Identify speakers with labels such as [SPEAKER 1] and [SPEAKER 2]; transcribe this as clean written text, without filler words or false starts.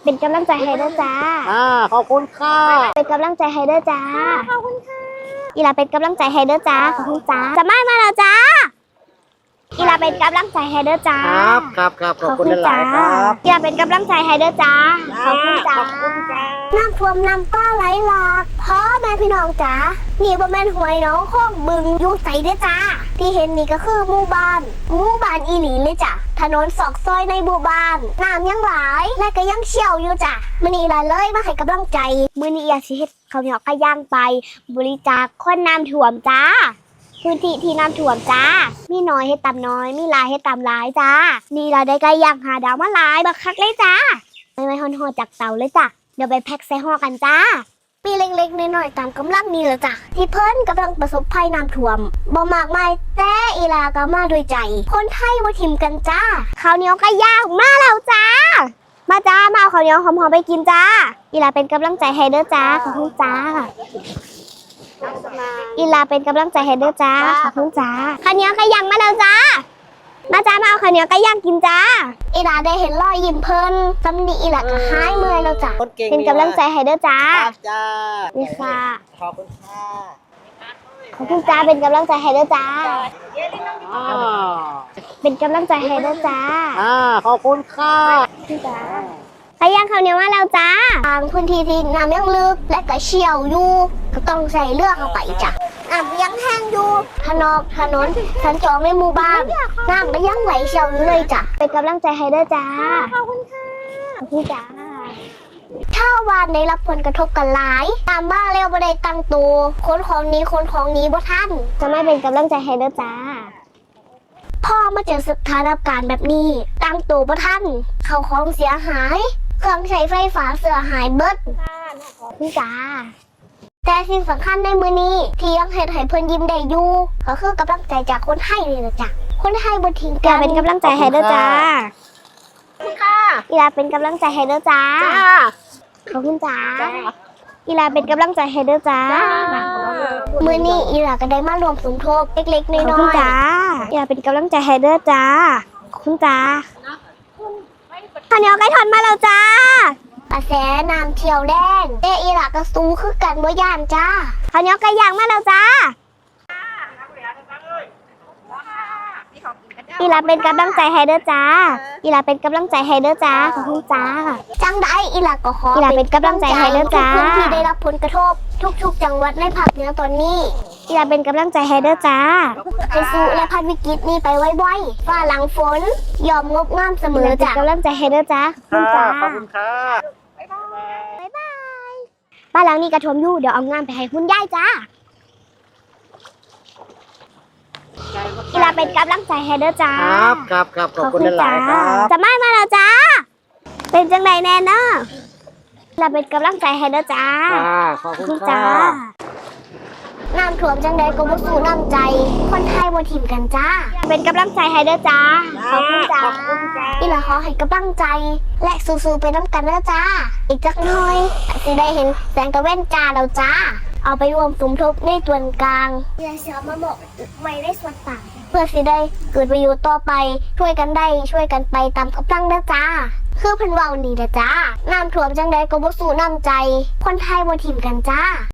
[SPEAKER 1] เป็นกำลังใจให้ด้วยจ้า
[SPEAKER 2] ขอบคุณค่ะ
[SPEAKER 1] เป็นกำลังใจให้ด้วยจ้าขอบคุณค่ะอีลาเป็นกำลังใจให้ด้วยจ้าขอบคุณจ้าจะไม่มาแล้วจ้าอีลาเป็นกำลังใจให้ด้วยจ้า
[SPEAKER 2] ครับขอบคุณหลายครับ
[SPEAKER 1] อีลาเป็นกำลังใจให้ด้วยจ้าขอบคุณจ้าน้ำท่วมน้ำป้าไหลหลากพ่อแม่พี่น้องจ้านี่บ่แม่นหวยน้องข้องบึงยุ่งใสเด้อจ้าที่เห็นนี่ก็คือหมู่บ้านอีหลีเลยจ้ะถนนซอกซอยในหมู่บ้านน้ำยังหลายและก็ยังเชี่ยวอยู่จ้ะมื้อนี้ล่ะเลยมาให้กำลังใจมื้อนี้อยากสิเฮ็ดข้าวเหนียวไก่ย่างไปบริจาคคนน้ำท่วมจ้าพื้นที่ที่น้ำท่วมจ้ามีน้อยให้ตามน้อยมีหลายให้ตามหลายจ้านี่เราได้ไก่ย่างหาดาวมาหลายบักคักเลยจ้าไม่ฮ้อนๆจากเตาเลยจ้ะเดี๋ยวไปแพ็คใส่ห่อกันจ้ามีเล็กๆน้อยๆตามกำลังนี่แหละจ้ะที่เพิ่นกำลังประสบภัยน้ำท่วมบ่มากมายแต่อีลาก็มาด้วยใจคนไทยบ่ทิมกันจ้าข้าวเหนียวไก่ย่างมาแล้วจ้ามาจ้ามาเอาข้าวเหนียวหอมๆไปกินจ้าอีลาเป็นกำลังใจให้เด้อจ้าขอบคุณจ้าอีลาเป็นกำลังใจให้เด้อจ้าขอบคุณจ้าข้าวเหนียวไก่ย่างมาแล้วจ้ามาจ้ามาเอาข้าวเหนียวไก่ย่างกินจ้าอีลาได้เห็นรอยยิ้มเพิ่นสำนีอีลาก็หายเมื่อยแล้วจ้ะเป็นกำลังใจให้เด้อจ้านี่ค่ะ
[SPEAKER 2] ขอบคุณค่ะ
[SPEAKER 1] ขอบคุณจ้าเป็นกำลังใจให้เด้อจ้าเป็นกำลังใจให้เด้อจ้า
[SPEAKER 2] ขอบคุณค่ะ
[SPEAKER 1] พี่จ้าไก่ย่างข้าวเหนียวมาแล้วจ้าทางพื้นที่ที่น้ำยังลึกและก็เชี่ยวอยู่ก็ต้องใส่เรือเข้าไปจ้ะน้ำยังแห้งอยู่ถนนสัญจรในหมู่บ้านน้ำก็ยังไหลเชี่ยวอยู่เลยจ้ะเป็นกำลังใจให้เด้อจ้าขอบคุณค่ะขอบคุณจ้าชาวบ้านได้รับผลกระทบกันหลายตามบ้านแล้วบ่ได้ตั้งตัวคนของนี้บ่ทันจะไม่เป็นกำลังใจให้เด้อจ้าพ่อมาเจอสถานการณ์แบบนี้ตั้งตัวบ่ทันเข้าของเสียหายเครื่องใช้ไฟฟ้าเสียหายเบิดพี่จ้าแต่สิ่งสำคัญในมื้อนี้ที่ยังเฮ็ดให้เพิ่นยิ้มได้อยู่ก็คือกำลังใจจากคนไทยนี่แหละจ้ะคนไทยบ่ทิ้งกันเป็นกำลังใจให้เด้อจ้าขอบคุณค่ะอีลาเป็นกำลังใจให้เด้อจ้าขอบคุณจ้าอีลาเป็นกำลังใจให้เด้อจ้ามื้อนี้อีลาก็ได้มารวมสมทบเล็กๆน้อยๆขอบคุณจ้าอีลาเป็นกำลังใจให้เด้อจ้าขอบคุณจ้าข้าวเหนียวไก่ทอดมาแล้วจ้ากระแสน้ำเที่ยวแดงแต่อีลาก็สู้คือกันบ่ย่านจ้าข้าวเหนียวไก่ย่างมาแล้วจ้าอีลาเป็นกำลังใจให้เด้อจ้าอีลาเป็นกำลังใจให้เด้อจ้าขอบคุณจ้าจังได้อีลาก็ขออีลาเป็นกำลังใจให้เด้อจ้าทุกพื้นที่ได้รับผลกระทบทุกจังหวัดในภาคเหนือตอนนี้อีลาเป็นกำลังใจให้เด้อจ้าให้สู้และผ่านวิกฤตนี้ไปไวๆฟ้าหลังฝนยอมงบงามเสมอจ้าเป็นกำลังใจให้เด้อจ้าขอบคุณจ้า
[SPEAKER 2] ขอบคุณค่ะ
[SPEAKER 1] บ๊ายบายบ้านหลังนี้กระท่วมอยู่เดี๋ยวเอางานไปให้คุณยายจ้าอีลาเป็นกำลังใจให้เด้อจ้า
[SPEAKER 2] ครับขอบคุณหลายครับ
[SPEAKER 1] จะไม่มาแล้วจ้าเป็นจังไดแน่เนาะอีลาเป็นกำลังใจให้เด้อจ้า
[SPEAKER 2] ขอบคุณจ้า
[SPEAKER 1] น้ำท่วมจังใดก็บ่สู้น้ำใจคนไทยบ่ทิมกันจ้าเป็นกำลังใจให้เด้อจ้าขอบคุณจ้าอีลาขอให้กำลังใจและสู้ๆไปน้ำกันเด้อจ้าอีกจักหน่อยสิได้เห็นแสงตะเว้นจ้าแล้วจ้าเอาไปรวมสมทบในส่วนกลางเพื่อจะมาบอกไว้ในส่วนต่างเพื่อสิได้เกิดประโยชน์ต่อไปช่วยกันได้ช่วยกันไปตามกำลังเด้อจ้าคือเพิ่นเว้าดีเด้อจ้าน้ำท่วมจังใดก็บ่สู้น้ำใจคนไทยบ่ทิมกันจ้า